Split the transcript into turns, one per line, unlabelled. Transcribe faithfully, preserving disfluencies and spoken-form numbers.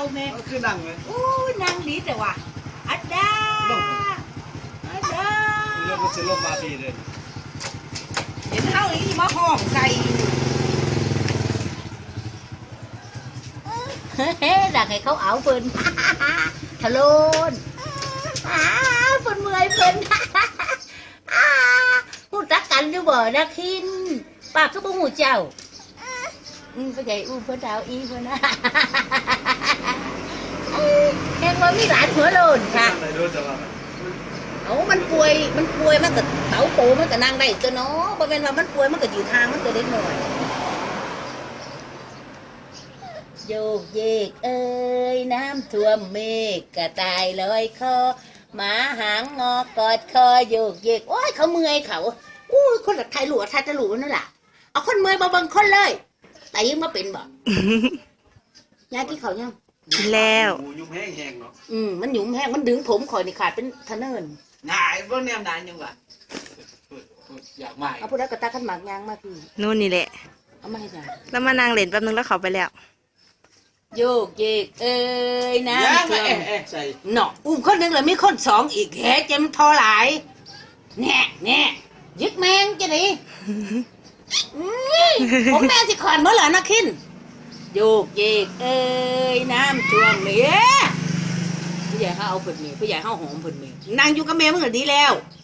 แม่
คือนั่งเลย
โอ้นั่งดีแต่ว่าอัดดาอัดดา
เรื่องมันจะลงมาปีเลย
เห็นเฮาอีมาห้องใส่เฮ้ดักให้เขาเอาเพิ่นทะโลนอ้าเพิ่นเมื่อยเพิ่นอ้าพูดจักกันอยู่บ่นะคินปากก็บ่ฮู้เจ้าอืมก็ใหญ่อู้เพิ่นดาวอีเพิ่นนะแค่ว่ามีหลานหัวโลนค่ะโอ้มันป่วยมันป่วยมันก็เต๋าโตมันก็นั่งได้ตัวเนาะบ่แม่นว่ามันป่วยมันก็ยืนทางมันก็เล็กน้อยโยกเยกเอ้ยน้ำท่วมเมฆกระต่ายลอยคอหมาหางงอกอดคอโยกเยกโอ้ยเขาเมื่อยเขาอู้คนละไทยหลวไทยจะหลวนั่นแหละเอาคนเมื่อยมาบังคนเลยแต่ยังมาเป็นบ่ยายที่เขายัง
แล้ว
ยุ่งแห้งแห้งเนาะ
อืมมันหยุ่มแห้งมันดึงผมข่อยนี่ขาดเป็นทะเนิน
นายเบิ่งแนวนานยังวะอยากใหม่
เอาพูดแล้วก็ตาขันหมากยางมาพี่
นู่นนี่แหละ
เอามาให้จ้ะ
แล้วมานั่งเล่นแป๊บนึงแล้วเขาไปแล้ว
โยกเยกเอ้ยนะ
เอ๊ะเอ๊ะใส่
เนาะอุ้มคนหนึ่งเลยมีคนสองอีกแหเจมทอหลายแน่แน่ยึดแมงจะดิผมแม่สิขอนเมื่อไหร่นะคินโยกเยกเอ้ยน้ำท่วมเมียผู้ใหญ่เขาเอาผลเมียผู้ใหญ่เขาหอมผลเมียนางอยู่กับแม่มึงก็ดีแล้ว